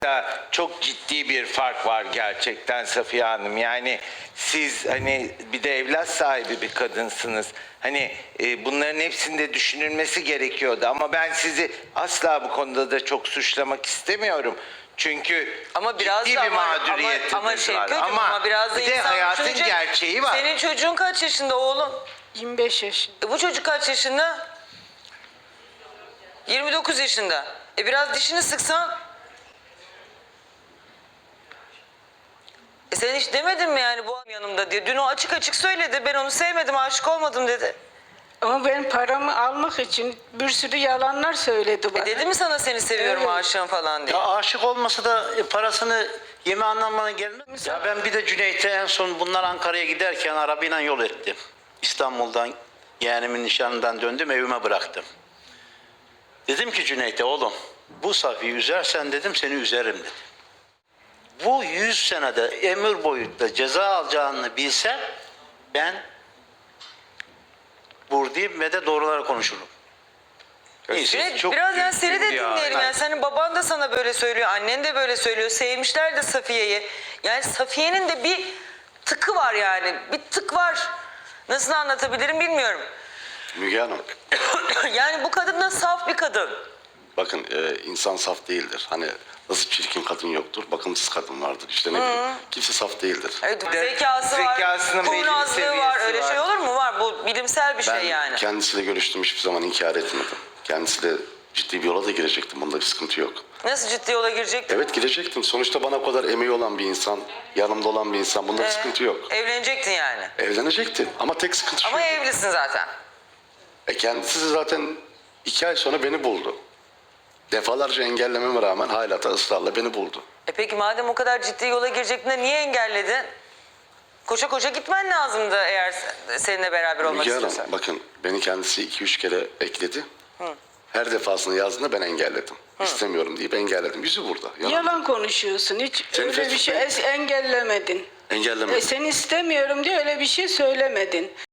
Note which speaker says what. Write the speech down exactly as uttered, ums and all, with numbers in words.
Speaker 1: Çok ciddi bir fark var gerçekten Safiye Hanım. Yani siz hani bir de evlat sahibi bir kadınsınız. Hani e, bunların hepsinde düşünülmesi gerekiyordu. Ama ben sizi asla bu konuda da çok suçlamak istemiyorum. Çünkü
Speaker 2: Ama biraz
Speaker 1: ciddi
Speaker 2: da
Speaker 1: bir
Speaker 2: ama,
Speaker 1: mağduriyetiniz
Speaker 2: ama, ama
Speaker 1: var.
Speaker 2: Şevket'cim,
Speaker 1: Ama,
Speaker 2: ama biraz da
Speaker 1: bir de
Speaker 2: insan
Speaker 1: hayatın
Speaker 2: düşünecek.
Speaker 1: gerçeği var.
Speaker 2: Senin çocuğun kaç yaşında oğlum?
Speaker 3: yirmi beş yaşında.
Speaker 2: E bu çocuk kaç yaşında? yirmi dokuz yaşında. E biraz dişini sıksan. E sen hiç demedin mi yani bu yanımda diye? Dün o açık açık söyledi. Ben onu sevmedim, aşık olmadım dedi.
Speaker 3: Ama ben paramı almak için bir sürü yalanlar söyledi bana.
Speaker 2: E dedi mi sana seni seviyorum,
Speaker 3: Evet.
Speaker 2: aşığım falan diye?
Speaker 4: Ya aşık olmasa da e, parasını yeme anlamına gelmez. Ya ben bir de Cüneyt'e en son bunlar Ankara'ya giderken arabayla yol ettim. İstanbul'dan yeğenimin nişanından döndüm, evime bıraktım. Dedim ki Cüneyt'e, oğlum bu Safiye'yi üzersen dedim seni üzerim dedim. Bu yüz senede ömür boyutta ceza alacağını bilsem ben buradayım ve de doğruları konuşurum. Neyse.
Speaker 2: Cüneyt,
Speaker 1: çok
Speaker 2: biraz yani seni de
Speaker 1: üzgün ya.
Speaker 2: dinleyelim. Yani senin baban da sana böyle söylüyor, annen de böyle söylüyor. Sevmişler de Safiye'yi. Yani Safiye'nin de bir tıkı var yani. Bir tık var. Nasıl anlatabilirim bilmiyorum.
Speaker 5: Müge Hanım,
Speaker 2: Yani bu kadın da saf bir kadın.
Speaker 5: bakın e, insan saf değildir. Hani nasıl çirkin kadın yoktur, bakımsız kadın vardır. İşte ne bileyim, kimse saf değildir.
Speaker 2: Evet,
Speaker 1: de
Speaker 2: zekası var,
Speaker 1: zekasının belli bir
Speaker 2: kurnazlığı var.
Speaker 1: seviyesi
Speaker 2: Öyle
Speaker 1: var.
Speaker 2: şey olur mu? Var. Bu bilimsel bir
Speaker 5: Ben
Speaker 2: şey yani.
Speaker 5: kendisiyle görüştüm, hiçbir zaman inkar etmedim. Kendisiyle ciddi bir yola da girecektim, bunda bir sıkıntı yok.
Speaker 2: Nasıl ciddi yola girecektin?
Speaker 5: Evet, girecektim. Sonuçta bana o kadar emeği olan bir insan, yanımda olan bir insan, bunda bir
Speaker 2: Ee,
Speaker 5: sıkıntı yok.
Speaker 2: Evlenecektin yani.
Speaker 5: Evlenecektim ama tek sıkıntı şu.
Speaker 2: Ama evlisin zaten.
Speaker 5: E kendisi zaten iki ay sonra beni buldu. Defalarca engellememe rağmen hala da ısrarla beni buldu.
Speaker 2: E peki madem o kadar ciddi yola girecektin de niye engelledin? Koşa koşa gitmen lazımdı eğer seninle beraber olmak
Speaker 5: Müge Hanım,
Speaker 2: istiyorsan.
Speaker 5: bakın beni kendisi iki üç kere ekledi. Her defasında yazdığında ben engelledim. İstemiyorum deyip engelledim. Yüzü burada. Yalan.
Speaker 3: Yalan konuşuyorsun. Hiç
Speaker 5: Seni
Speaker 3: öyle bir şey
Speaker 5: Facebook'ta-
Speaker 3: engellemedin.
Speaker 5: Engellemedim.
Speaker 3: E, seni istemiyorum diye öyle bir şey söylemedin.